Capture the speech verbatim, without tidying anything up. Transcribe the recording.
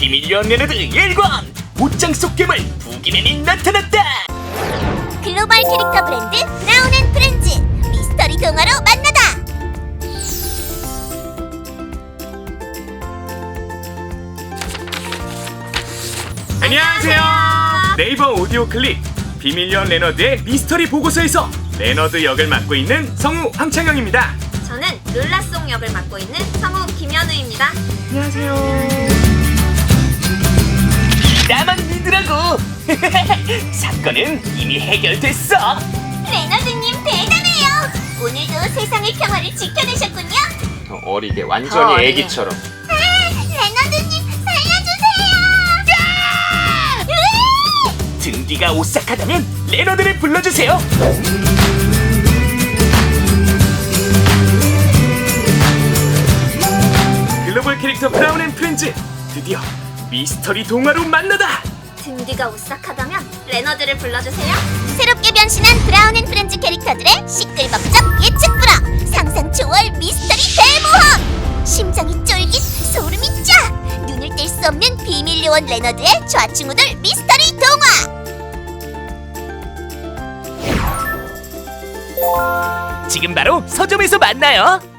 비밀 요원 레너드 일관! 옷장 속 괴물 부기맨이 나타났다! 글로벌 캐릭터 브랜드 브라운 앤 프렌즈 미스터리 동화로 만나다! 안녕하세요! 네이버 오디오 클립 비밀 요원 레너드의 미스터리 보고서에서 레너드 역을 맡고 있는 성우 황창영입니다. 저는 룰라송 역을 맡고 있는 성우 김현우입니다. 안녕하세요. 나만 믿으라고! 사건은 이미 해결됐어! 레너드님 대단해요! 오늘도 세상의 평화를 지켜내셨군요! 어리게 더 완전히 어리게. 애기처럼. 아, 레너드님 살려주세요! 으이! 등기가 오싹하다면 레너드를 불러주세요! 글로벌 캐릭터 브라운 앤 프렌즈 드디어 미스터리 동화로 만나다! 등뒤가 오싹하다면 레너드를 불러주세요. 새롭게 변신한 브라운 앤 프렌즈 캐릭터들의 시끌벅적 예측 불허 상상 초월 미스터리 대모험! 심장이 쫄깃 소름이 쫙! 눈을 뗄 수 없는 비밀 요원 레너드의 좌충우돌 미스터리 동화! 지금 바로 서점에서 만나요!